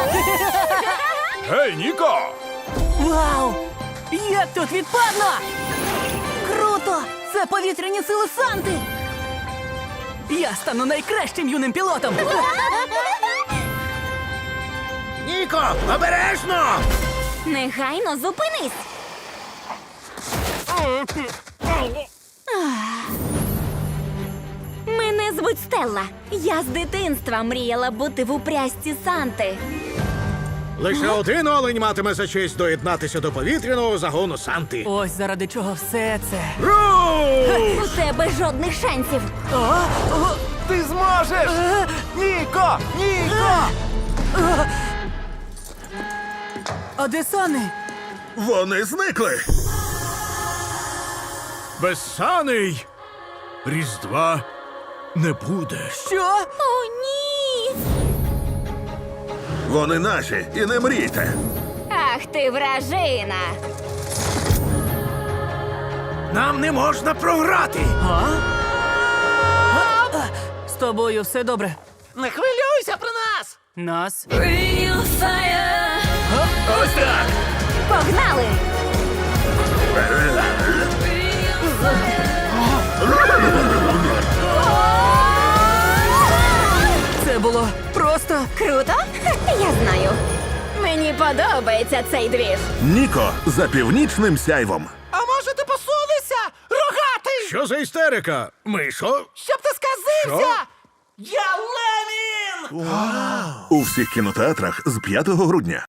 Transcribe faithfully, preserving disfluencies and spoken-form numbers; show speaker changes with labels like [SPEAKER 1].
[SPEAKER 1] Гей, Ніко!
[SPEAKER 2] Вау! Як тут відпадно! Круто! Це повітряні сили Санти! Я стану найкращим юним пілотом!
[SPEAKER 3] Ніко, обережно!
[SPEAKER 4] Негайно зупинись! Мене звуть Стелла. Я з дитинства мріяла бути в упрясті Санти.
[SPEAKER 3] Лише один олень матиме за честь доєднатися до повітряного загону Санти.
[SPEAKER 2] Ось заради чого все це.
[SPEAKER 3] Руш!
[SPEAKER 4] У тебе жодних шансів.
[SPEAKER 1] Ти зможеш! Ніко! Ніко!
[SPEAKER 2] А де Сани?
[SPEAKER 3] Вони зникли.
[SPEAKER 1] Безсаний! Різдва не буде.
[SPEAKER 2] Що?
[SPEAKER 4] О, ні!
[SPEAKER 3] Вони наші, і не мрійте.
[SPEAKER 4] Ах ти вражина!
[SPEAKER 3] Нам не можна програти.
[SPEAKER 2] А? З тобою все добре?
[SPEAKER 5] Не хвилюйся про нас!
[SPEAKER 2] Нас?
[SPEAKER 1] Ось так!
[SPEAKER 4] Погнали!
[SPEAKER 2] Це було просто...
[SPEAKER 4] Круто? Я знаю. Мені подобається цей двіж.
[SPEAKER 6] Ніко за північним сяйвом.
[SPEAKER 5] А може ти посунешся? Рогатий!
[SPEAKER 3] Що за істерика? Мишо?
[SPEAKER 5] Щоб ти сказився! Я Ленін!
[SPEAKER 6] У всіх кінотеатрах з п'ятого грудня.